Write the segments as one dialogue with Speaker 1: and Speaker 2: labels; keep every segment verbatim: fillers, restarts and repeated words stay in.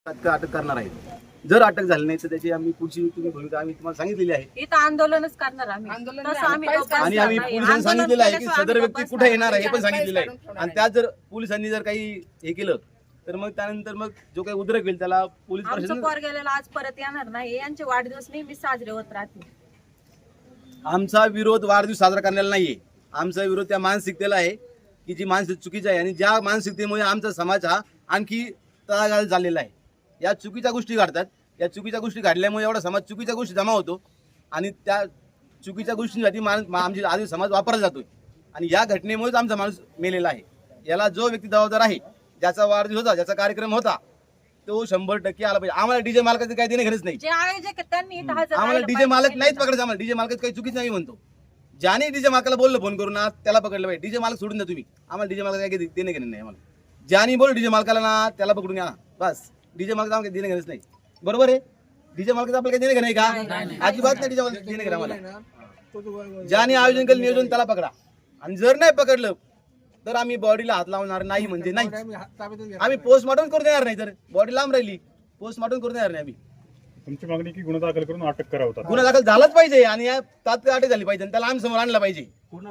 Speaker 1: अटक करणार आहे. जर अटक झाली नाही तर त्याची आम्ही पुढची तुम्ही भूमिका आम्ही तुम्हाला सांगितलेली आहे.
Speaker 2: इथं आंदोलनच करणार आम्ही. तसं आम्ही गप्प
Speaker 1: आणि आम्ही
Speaker 2: बसणार नाही.
Speaker 1: पोलिसांनी सांगितलेलं आहे की
Speaker 2: आंदोलन
Speaker 1: सदर व्यक्ती
Speaker 2: केल्याशिवाय
Speaker 1: कुठे
Speaker 2: आम्ही
Speaker 1: येणार आहे हे पण
Speaker 2: गप्प
Speaker 1: सांगितलेलं आहे. आणि त्यात जर पोलिसांनी जर काही हे केलं तर मग त्यानंतर मग जो काही उद्रेक होईल त्याला पोलीस
Speaker 2: आमचं
Speaker 1: प्रशासन
Speaker 2: पोर गेलेला आज परत येणार नाही. यांचे वाढदिवस नेहमी साजरे होत राहतील.
Speaker 1: आमचा विरोध वाढदिवस साजरा करण्याला नाहीये. आमचा विरोध त्या मानसिकतेला आहे की जी मानसिक चुकीची आहे आणि ज्या मानसिकतेमुळे आमचा समाज हा आणखी तळागाळ झालेला आहे. या चुकीच्या गोष्टी घडतात. या चुकीच्या गोष्टी घडल्यामुळे एवढा समाज चुकीच्या गोष्टी जमा होतो आणि त्या चुकीच्या गोष्टींसाठी मान आमची आधी समाज वापरला जातोय आणि या घटनेमुळेच आमचा माणूस मेलेला आहे. याला जो व्यक्ती जबाबदार आहे, ज्याचा वाढदिवस होता, ज्याचा कार्यक्रम होता, तो शंभर टक्के आला पाहिजे. आम्हाला डीजे मालकाचं काही देणे घेणंच नाही.
Speaker 2: जे आयोजक आहेत त्यांनी इथं हजर
Speaker 1: आम्हाला
Speaker 2: राहिलं
Speaker 1: डीजे मालक
Speaker 2: पाहिजे.
Speaker 1: नाहीच पकडायचं. आम्हाला डीजे मालकाचं काही चुकीच नाही म्हणतो. ज्याने डीजे मालकाला बोललं फोन करून ना त्याला पकडलं पाहिजे. डीजे मालक सोडून द्या तुम्ही. आम्हाला डीजे मालक काही देणे घेणं नाही. आम्हाला ज्याने बोल डीजे मालकाला ना त्याला पकडून घ्या ना बस. डीजे मालक आम्हाला देणे घेणंच नाही. बरोबर आहे. डीजे मालकाचं आपल्याला काही देणे घेणं आहे का? अजिबात नाही. डीजे मालक देणे घेणं आम्हाला. ज्याने आयोजन केलं नियोजन त्याला पकडा आणि जर नाही पकडलं तर आम्ही बॉडीला हात लावणार नाही म्हणजे नाही. आम्ही पोस्टमॉर्टम करून देणार नाही. तर बॉडी लांब राहिली पोस्टमॉर्टम करून देणार नाही. आम्ही
Speaker 3: तुमची मागणी की गुन्हा दाखल करून अटक करावं.
Speaker 1: गुन्हा दाखल झालाच पाहिजे आणि या तात्काळ अटक झाली पाहिजे आणि त्याला आम्ही समोर आणला पाहिजे.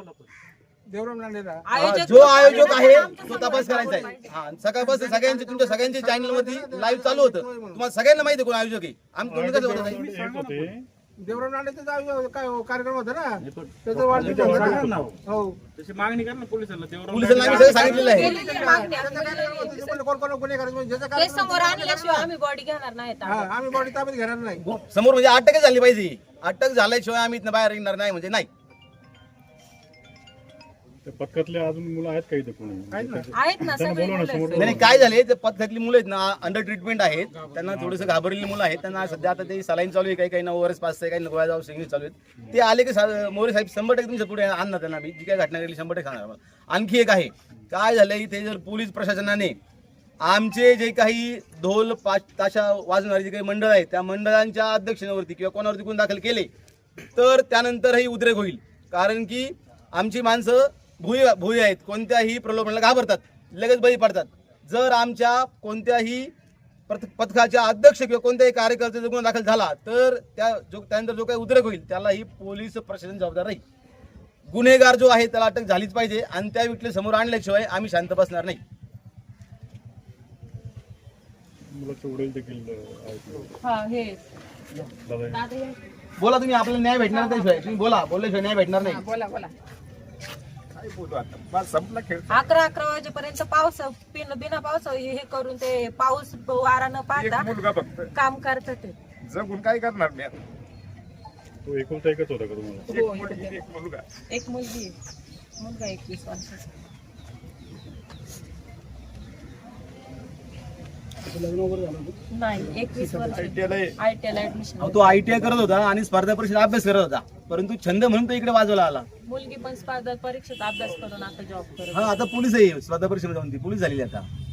Speaker 2: आयोजक
Speaker 1: जो आयोजक आहे
Speaker 2: आमचं
Speaker 1: तो तपास
Speaker 2: समोर
Speaker 1: करायचा आहे.
Speaker 2: पाहिजे.
Speaker 1: हा सकाळपासून सगळ्यांचे तुमच्या सगळ्यांच्या चॅनल मध्ये लाईव्ह चालू होतं. तुम्हाला सगळ्यांना माहिती कोण आयोजक आहे. आम्ही तुम्ही कसं बोलत आहे?
Speaker 3: एक होते
Speaker 4: देवराम लांडेचा काय कार्यक्रम होता ना त्याचं वाढदिवस हो
Speaker 5: तशी मागणी कर ना पोलिसांना. देवराम
Speaker 1: पोलिसांना आम्ही सगळं सांगितलेलं आहे.
Speaker 2: केलेली मागणी आम्ही.
Speaker 4: कोण कोण गुन्हे करायचे ज्याचं
Speaker 2: ते
Speaker 4: काय
Speaker 2: समोर आणल्याशिवाय आम्ही बॉडी घेणार नाहीत.
Speaker 4: हा आम्ही बॉडी ताब्यात घेणार नाही.
Speaker 1: समोर म्हणजे अटकच झाली पाहिजे. अटक झाल्याशिवाय आम्ही इथनं बाहेर येणार नाही म्हणजे नाही.
Speaker 3: त्या पथकातले अजून मुलं आहेत का इथे कोणी?
Speaker 2: आहेत ना
Speaker 3: त्यांना
Speaker 2: सगळे
Speaker 3: बोलवा ना
Speaker 2: मुलं
Speaker 3: समोर.
Speaker 2: आहेत.
Speaker 1: नाही काय झाले ते पथकातली मुलं आहेत ना अंडर ट्रीटमेंट आहेत. त्यांना थोडंसं घाबरलेली मुलं आहेत. त्यांना सध्या आता ते सलाईन चालू आहे. काही काही ओव्हरस पास आहे. काही गोळ्या जाऊ सिंगिंग चालू आहेत. ते आले की सा- मोरे साहेब शंभर टक्के तुमच्या पुढे आणणार त्यांना. मी जी काय घटना घडली शंभर टक्के सांगणार मला. आणखी एक आहे काय झालं इथे जर पोलीस प्रशासनाने आमचे जे काही ढोल पाच ताशा वाजवणारे जे काही मंडळ आहेत त्या मंडळांच्या अध्यक्षांवरती किंवा कोणावरती गुन्हे दाखल केले तर त्यानंतरही उद्रेक होईल. कारण की आमची माणसं भुई भुई आहेत. कोणत्याही प्रलोभनाला घाबरतात. लगेच बळी पडतात. जर आमच्या कोणत्याही पथ पथकाच्या अध्यक्ष किंवा कोणत्याही कार्यकर्त्याचा गुन्हा दाखल झाला तर त्या जो त्यानंतर जो काही उद्रेक होईल त्यालाही पोलीस प्रशासन जबाबदार राहील. गुन्हेगार जो आहे त्याला अटक झालीच पाहिजे आणि त्या व्यक्तीला समोर आणल्याशिवाय आम्ही शांत बसणार नाही.
Speaker 3: मुलाचे वडील देखील आहेत.
Speaker 2: हा हे
Speaker 3: दादा
Speaker 2: दादा हे.
Speaker 1: बोला तुम्ही. आपल्याला न्याय भेटणार त्याशिवाय तुम्ही बोला. बोलल्याशिवाय न्याय भेटणार नाही.
Speaker 2: बोला बोला.
Speaker 5: बोलू आता बस संपला खेळ.
Speaker 2: अकरा अकरा वाजेपर्यंत पाऊस बिन बिना पाऊस हे करून ते पाऊस वारा न
Speaker 5: एक
Speaker 2: पाहता
Speaker 5: मुलगा फक्त
Speaker 2: काम करतात ते.
Speaker 5: जगून काय करणार मी आता?
Speaker 3: तो एकुलता एकच होता का तुम्हाला?
Speaker 5: एक मुलगी एक मुलगा.
Speaker 2: एक मुलगी आहे. मुलगा एकवीस वर्षाचा. नाही एकवीस वर्ष
Speaker 5: त्याला
Speaker 2: आय टी आय ऍडमिशन.
Speaker 1: अहो, तो आयटीआय करत होता आणि स्पर्धा परीक्षेचा अभ्यास करत होता. परंतु छंद म्हणून तो इकडे वाजवला आला.
Speaker 2: मुलगी पण स्पर्धा परीक्षेचा अभ्यास करून आता जॉब करत.
Speaker 1: हा आता पोलीस आहे. स्पर्धा परीक्षेमध्ये जाऊन ती पोलीस झालेली आता.